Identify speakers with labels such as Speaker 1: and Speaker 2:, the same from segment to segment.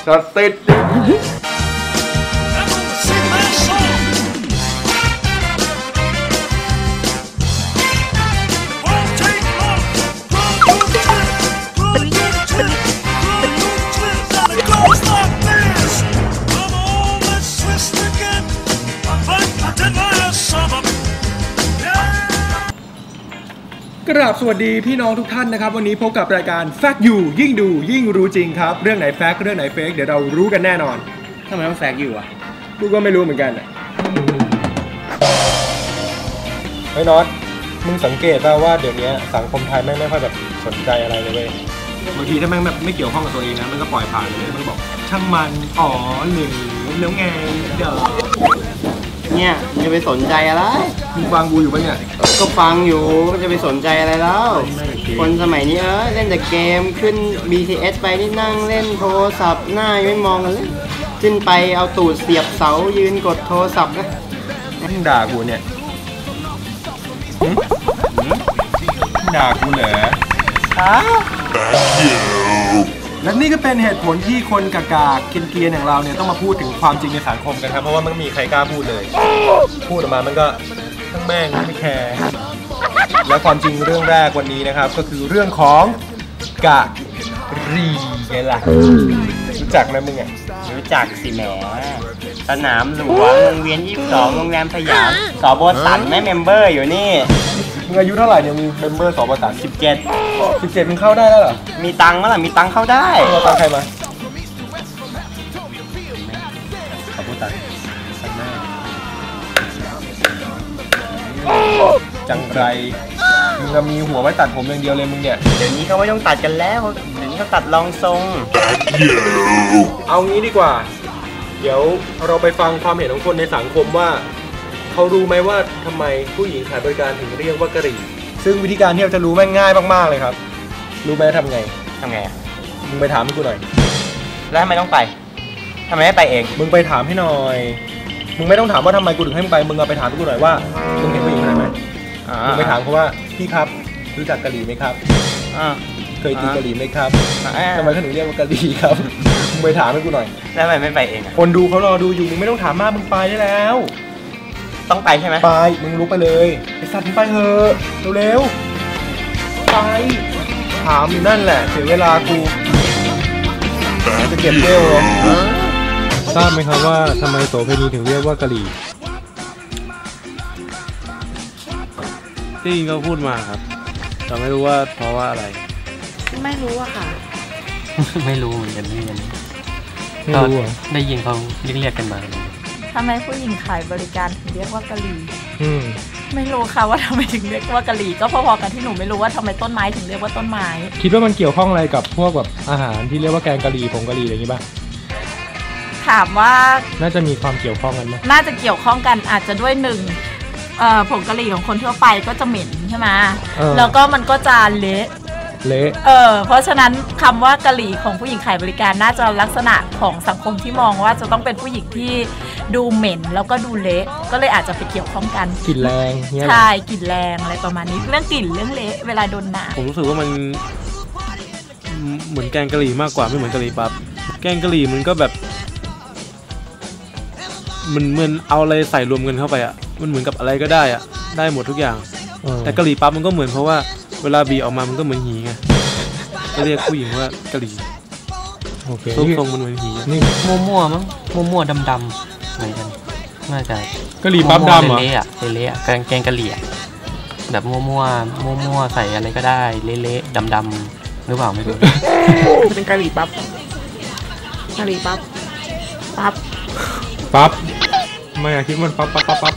Speaker 1: ก็ติดกราบสวัสดีพี่น้องทุกท่านนะครับวันนี้พบกับรายการแฟกต์อยู่ยิ่งดูยิ่งรู้จริงครับเรื่องไหนแฟกต์เรื่องไหนเฟกเดี๋ยวเรารู้กันแน่นอน
Speaker 2: ทำไมต้องแฟกต์อยู่อ่ะ
Speaker 1: กูก็ไม่รู้เหมือนกันไอ้น็อตมึงสังเกตป่ะว่าเดี๋ยวนี้สังคมไทยไม่ค่อยแบบสนใจอะไรเลยบางทีถ้าแม่งแบบไม่เกี่ยวข้องกับตัวเองนะมันก็ปล่อยผ่านเลยมันบอกช่างมันอ๋อหรือแล้วไงเดี๋ยว
Speaker 2: เนี่ยจะไปสนใจอะไร
Speaker 1: มึงฟังกูอยู่ปะเนี่ย
Speaker 2: ก็ฟังอยู่จะไปสนใจอะไรแล้วคนสมัยนี้เล่นแต่เกมขึ้น BTS ไปนี่นั่งเล่นโทรศัพท์หน้าไม่มองกันเลยขึ้นไปเอาตูดเสียบเสายืนกดโทรศัพท์นะ
Speaker 1: มึงด่ากูเนี่ยด่ากูเหรอและนี่ก็เป็นเหตุผลที่คนกากาเกรียนๆอย่างเราเนี่ยต้องมาพูดถึงความจริงในสังคมกันครับเพราะว่ามันมีใครกล้าพูดเลยพูดออกมามันก็ทั้งแม่งไม่แคร์และความจริงเรื่องแรกวันนี้นะครับก็คือเรื่องของกะรีไงล่ะรู้จักไหมมึงอ่ะ
Speaker 2: รู้จักสิแหมสนามหลวงวงเวียน22โรงแรมสยามสบสันแม่เมมเบอร์อยู่นี่
Speaker 1: มึงอายุเท่าไหร่เนี่ยมีเมมเบอร์สบสัน17มึงเข้าได้แล้วเหรอ
Speaker 2: มีตังค์มั้ยล่ะมีตังค์เข้าได้
Speaker 1: เอาตังค์ใครมาสบสันจังไรมึงจะมีหัวไว้ตัดผมอย่างเดียวเลยมึงเนี่ย
Speaker 2: เดี๋ยวนี้เขาไม่ต้องตัดกันแล้วเดี๋ยวนี้เขาตัดรองทรง
Speaker 1: เอางี้ดีกว่าเดี๋ยวเราไปฟังความเห็นของคนในสังคมว่าเขารู้ไหมว่าทำไมผู้หญิงขายบริการถึงเรียกว่ากะหรี่ซึ่งวิธีการที่เราจะรู้แม่งง่ายมากๆเลยครับรู้ไหมทำไงมึงไปถามให้กูหน่อย
Speaker 2: แล้วทำไมต้องไปทำไมไม่ไปเอง
Speaker 1: มึงไปถามให้หน่อยมึงไม่ต้องถามว่าทำไมกูถึงให้มึงไปมึงเอาไปถามกูหน่อยว่ามึงเห็นผู้หญิงคนไหนไหมมึงไปถามเขาว่าพี่ครับรู้จักกะหรี่ไหมครับเคยกินกะหรี่ไหมครับทำไมเขาถึงเรียกว่ากะหรี่ครับมึงไปถามให้กูหน่อย
Speaker 2: แล้วทำไมไม่ไปเอง
Speaker 1: คนดูเขารอดูอยู่มึงไม่ต้องถามมากมึงไปได้แล้ว
Speaker 2: ต้องไปใช่ไหม
Speaker 1: ไปมึงลุกไปเลยไอ้สัตว์มึงไปเถอะเร็วๆไปถามอยู่นั่นแหละเสียเวลากูจะเก็บเร็วเลยทราบไหมครับว่าทำไมโสเภณีถึงเรียกว่ากะหรี่
Speaker 3: ที่เขาพูดมาครับแต่ไม่รู้ว่าเพราะว่าอะไร
Speaker 4: ไม่รู้อะค่ะ
Speaker 2: ไม่รู้เหมือนกันนี่มัน
Speaker 1: ไม่รู้
Speaker 2: ได้ยินเขาเรียกกันมา
Speaker 4: ทำไมผู้หญิงขายบริการถึงเรียกว่ากะหรี่ไม่รู้ค่ะว่าทำไมถึงเรียกว่ากะหรี่ก็พอๆกันที่หนูไม่รู้ว่าทำไมต้นไม้ถึงเรียกว่าต้นไม้
Speaker 1: คิดว่ามันเกี่ยวข้องอะไรกับพวกแบบอาหารที่เรียกว่าแกงกะหรี่ผงกะหรี่อะไรอย่างงี้ป่ะ
Speaker 4: ถามว่า
Speaker 1: น่าจะมีความเกี่ยวข้องกันไหม
Speaker 4: น่าจะเกี่ยวข้องกันอาจจะด้วยผงกะหรี่ของคนทั่วไปก็จะเหม็นใช่ไหมแล้วก็มันก็จะเละเพราะฉะนั้นคำว่ากะหรี่ของผู้หญิงขายบริการน่าจะลักษณะของสังคมที่มองว่าจะต้องเป็นผู้หญิงที่ดูเหม็นแล้วก็ดูเละก็เลยอาจจะไปเกี่ยวข้องกัน
Speaker 1: กลิ่นแรง
Speaker 4: ใช่กลิ่นแรงอะไรประมาณนี้เรื่องกลิ่นเรื่องเละเวลาโดนหนา
Speaker 3: ผมรู้สึกว่ามันเหมือนแกงกะหรี่มากกว่าไม่เหมือนกะหรี่ปั๊บแกงกะหรี่มันก็แบบมันเหมือนเอาอะไรใส่รวมกันเข้าไปอ่ะมันเหมือนกับอะไรก็ได้อ่ะได้หมดทุกอย่างแต่กะหรี่ปั๊บมันก็เหมือนเพราะว่าเวลาบีออกมามันก็เหมือนหีไงก็เรียกผู้หญิงว่ากะหรี่
Speaker 1: โอเค
Speaker 3: ทรงมันเหมือนหี
Speaker 2: นี่มั่วๆมั้งมั่วๆดำๆเหมือนกันน่าจะ
Speaker 1: กะหรี่ปั๊บดำเหรอ
Speaker 2: เละแกงกะหรี่แบบมั่วใส่อะไรก็ได้เละๆดำๆหรือเปล่าไม่รู้
Speaker 4: เป็นกะหรี่ปั๊บ
Speaker 1: ไม่คิดมันปั๊บ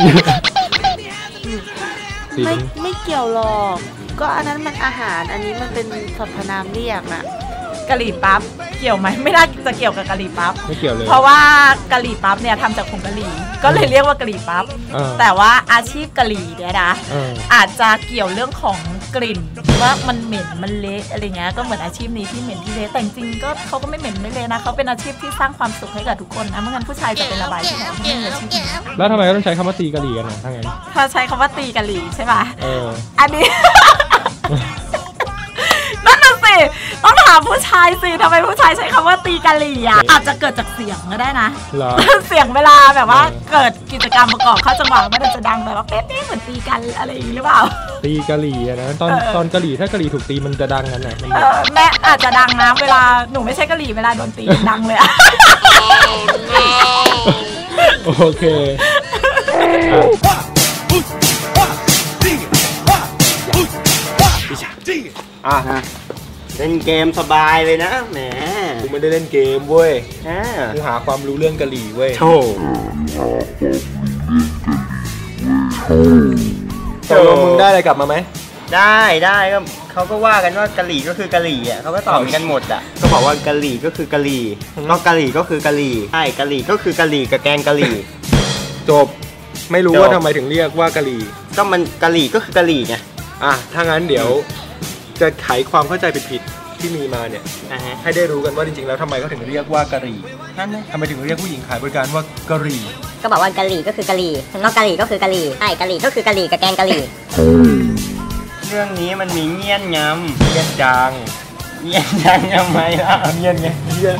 Speaker 4: ไม่เกี่ยวหรอกก็อันนั้นมันอาหารอันนี้มันเป็นสรรพนามเรียกนะกะหรี่ปั๊บเกี่ยวไหมไม่น่าจะเกี่ยวกับกะหรี่ปั๊บ
Speaker 1: ไม่เกี่ยวเลย
Speaker 4: เพราะว่ากะหรี่ปั๊บเนี่ยทำจากผงกะหรี่ก็เลยเรียกว่ากะหรี่ปั๊บแต่ว่าอาชีพกะหรี่เนี่ยนะอาจจะเกี่ยวเรื่องของกลิ่นว่ามันเหม็นมันเละอะไรเงี้ยก็เหมือนอาชีพนี้ที่เหม็นที่เละแต่จริงก็เขาก็ไม่เหม็นไม่เละนะเขาเป็นอาชีพที่สร้างความสุขให้กับทุกคนนะไม่งั้นผู้ชายจะเป็นระบายที่ไหนที่ไม่มีอาชีพนี้
Speaker 1: แล้วทำไมต้องใช้คำว่าตีกะหรี่กันนะถ้างั้น
Speaker 4: ถ้าใช้คำว่าตีกะหรี่ใช่ป่ะอันนี้นั่นน่ะสิต้องถามผู้ชายสิทำไมผู้ชายใช้คำว่าตีกะหรี่อ่ะอาจจะเกิดจากเสียงก็ได้นะเสียงเวลาแบบว่าเกิดกิจกรรมประกอบเข้าจังหวะมันจะดังแบบว่าเป๊ะๆเหมือนตีกันอะไรอย่างนี้หรือเปล่า
Speaker 1: ตีกะหรี่อะนะตอนกะหรี่ถ้ากะหรี่ถูกตีมันจะดังกันไหน
Speaker 4: แม่อาจจะดังนะเวลาหนูไม่ใช่กะหรี่เวลาโดนตีดังเลยอะ
Speaker 1: โอเค
Speaker 2: เล่นเกมสบายเลยนะแหม
Speaker 1: กูไม่ได้เล่นเกมเว้ยกูหาความรู้เรื่องกะหรี่เว้ยโธ่มึงได้อะไรกลับมาไหม
Speaker 2: ได้ก็เขาก็ว่ากันว่ากะหรี่ก็คือกะหรี่อ่ะเขาก็ตอบกันหมดอ่ะก็บอกว่ากะหรี่ก็คือกะหรี่ก็กะหรี่ก็คือกะหรี่ใช่กะหรี่ก็คือกะหรี่กับแกงกะหรี่
Speaker 1: จบไม่รู้ว่าทำไมถึงเรียกว่ากะหรี่
Speaker 2: ก็มันกะหรี่ก็คือกะหรี่ไง
Speaker 1: ถ้างั้นเดี๋ยวจะไขความเข้าใจผิดที่มีมาเนี่ยให้ได้รู้กันว่าจริงๆแล้วทำไมเขาถึงเรียกว่ากะหรี่
Speaker 2: นั่นเลย
Speaker 1: ทำไมถึงเรียกผู้หญิงขายบริการว่ากะหรี่
Speaker 5: ก็บอกว่ากะหรี่ก็คือกะหรี่นอกกะหรี่ก็คือกะหรี่ใช่กะหรี่ก็คือกะหรี่กับแกงกะหรี่
Speaker 2: เรื่องนี้มันมีเงี้ยนงำ
Speaker 1: เงี้ยนจาง
Speaker 2: ทำไมล่ะ
Speaker 1: เงี้ยนไงเงี้ยน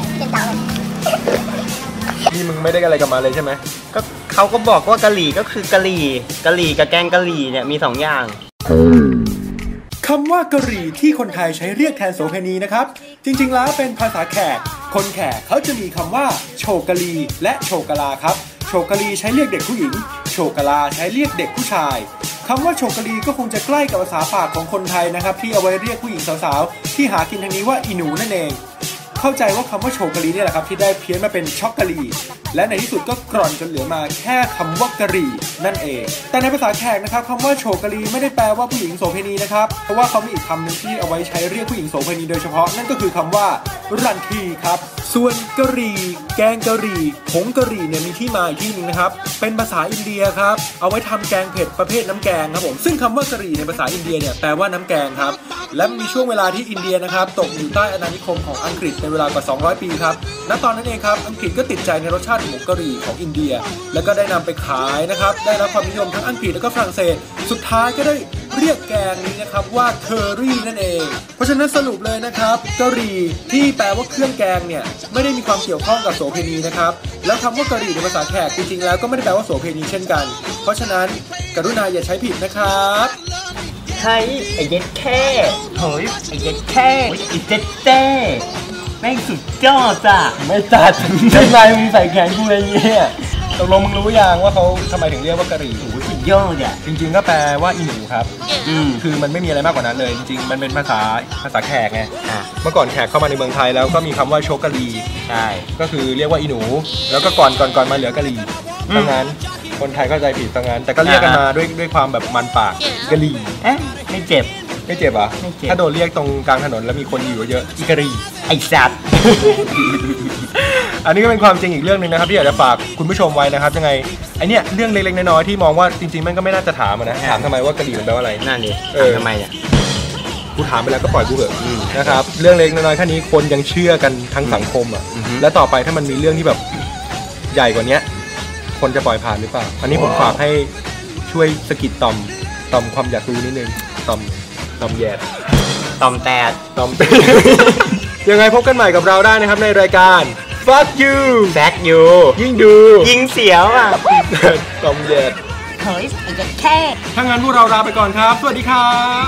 Speaker 1: นี่มึงไม่ได้อะไรกับมาเลยใช่ไหม
Speaker 2: ก็เขาก็บอกว่ากะหรี่ก็คือกะหรี่กับแกงกะหรี่เนี่ยมี2อย่าง
Speaker 1: คำว่ากะหรี่ที่คนไทยใช้เรียกแทนโสเภณีนะครับจริงๆแล้วเป็นภาษาแขกคนแขกเขาจะมีคำว่าโชกะลีและโชกะลาครับโชกะลีใช้เรียกเด็กผู้หญิงโชกะลาใช้เรียกเด็กผู้ชายคำว่าโชกะลีก็คงจะใกล้กับภาษาปากของคนไทยนะครับที่เอาไว้เรียกผู้หญิงสาวๆที่หากินทางนี้ว่าอีหนูนั่นเองเข้าใจว่าคำว่าโชกะลีนี่แหละครับที่ได้เพี้ยนมาเป็นช็อกกะลีและในที่สุดก็กร่อนจนเหลือมาแค่คำว่ากะหรี่นั่นเองแต่ในภาษาแขกนะครับคำว่าโชกะลีไม่ได้แปลว่าผู้หญิงโสเภณีนะครับเพราะว่าเขามีอีกคำหนึ่งที่เอาไว้ใช้เรียกผู้หญิงโสเภณีโดยเฉพาะนั่นก็คือคำว่ารันทีครับส่วนกะหรี่แกงกะหรี่ผงกะหรี่เนี่ยมีที่มาอีกที่นึงนะครับเป็นภาษาอินเดียครับเอาไว้ทำแกงเผ็ดประเภทน้ำแกงครับผมซึ่งคำว่ากะหรี่ในภาษาอินเดียเนี่ยแปลว่าน้ำแกงครับและมีช่วงเวลาที่อินเดียนะครับตกอยู่ใต้อาณานิคมของอังกฤษในเวลากว่า200 ปีครับณตอนนั้นเองครับอังกฤษก็ติดใจในรสชาติหมูกะหรี่ของอินเดียแล้วก็ได้นำไปขายนะครับได้รับความนิยมทั้งอังกฤษและก็ฝรั่งเศสสุดท้ายก็ได้เรียกแกงนี้นะครับว่าเคอรี่นั่นเองเพราะฉะนั้นสรุปเลยนะครับกะหรี่ที่แปลว่าเครื่องแกงเนี่ยไม่ได้มีความเกี่ยวข้องกับโสเภณีนะครับแล้วคำว่ากะหรี่ในภาษาแขกจริงๆแล้วก็ไม่ได้แปลว่าโสเภณีเช่นกันเพราะฉะนั้นกรุณาอย่าใช้ผิดนะครับ
Speaker 2: เฮ้ยไอ้เย็ดแค่เฮ้ยไอ้เย็ดแค่ไอ้เจ็ดเต้แม่งสุดยอดจ้ะ
Speaker 1: ไม่ตัดทำไมมึงใส่แขนกูอะไรเงี้ยตกลงมึงรู้ยังว่าเขาทำไมถึงเรียกว่ากะหรี่
Speaker 2: สุดยอดอ่ะ
Speaker 1: จริงๆก็แปลว่าอีหนูครับคือมันไม่มีอะไรมากกว่านั้นเลยจริงๆมันเป็นภาษาแขกไงเมื่อก่อนแขกเข้ามาในเมืองไทยแล้วก็มีคำว่าโชกะลี
Speaker 2: ใช่
Speaker 1: ก็คือเรียกว่าอีหนูแล้วก็ก่อนมาเหลือกะหรี่ดังนั้นคนไทยเข้าใจผิดดังนั้นแต่ก็เรียกกันมาด้วยความแบบมันปากกะหรี่
Speaker 2: ไม่เจ็บ
Speaker 1: อ่ะถ้าโดนเรียกตรงกลางถนนแล้วมีคนอยู่เยอะอีกะหรี่
Speaker 2: ไอ้สัตว์
Speaker 1: อันนี้ก็เป็นความจริงอีกเรื่องนึงนะครับที่อยากจะฝากคุณผู้ชมไว้นะครับยังไงไอเนี้ยเรื่องเล็กๆน้อยๆที่มองว่าจริงๆมันก็ไม่น่าจะถามนะถามทำไมว่ากะหรี่มันแปลว่าอะไร
Speaker 2: นั่นดิทำไมเนี่ย
Speaker 1: กูถามไปแล้วก็ปล่อยกูเถอะนะครับเรื่องเล็กน้อยๆแค่นี้คนยังเชื่อกันทั้งสังคมอ่ะและต่อไปถ้ามันมีเรื่องที่แบบใหญ่กว่านี้คนจะปล่อยผ่านหรือเปล่าอันนี้ผมฝากให้ช่วยสกิดต่อมความอยากรู้นิดนึงต่อมแยด
Speaker 2: ต่อมแตด
Speaker 1: ยังไงพบกันใหม่กับเราได้นะครับในรายการ Fuck You
Speaker 2: แซกยู
Speaker 1: ยิ่งดู
Speaker 2: ยิ่งเสียวอ่ะ
Speaker 1: ต่อมแยด
Speaker 5: เฮ้ยไอ้เด็กแค่
Speaker 1: ถ้างั้นพวกเราลาไปก่อนครับสวัสดีครับ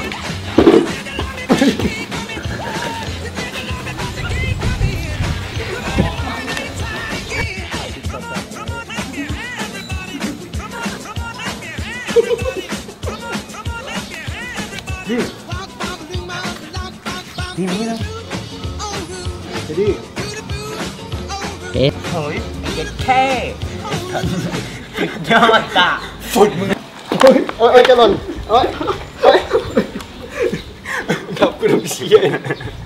Speaker 1: ทีนี้นะเดี๋ยวดิ
Speaker 2: เฮ้ยเด็กแค่ยอดจ้ะ
Speaker 1: ฟุดมึง
Speaker 2: โอ้ยจะหล่นโอ้ย
Speaker 1: ครับกูต้องเชียร์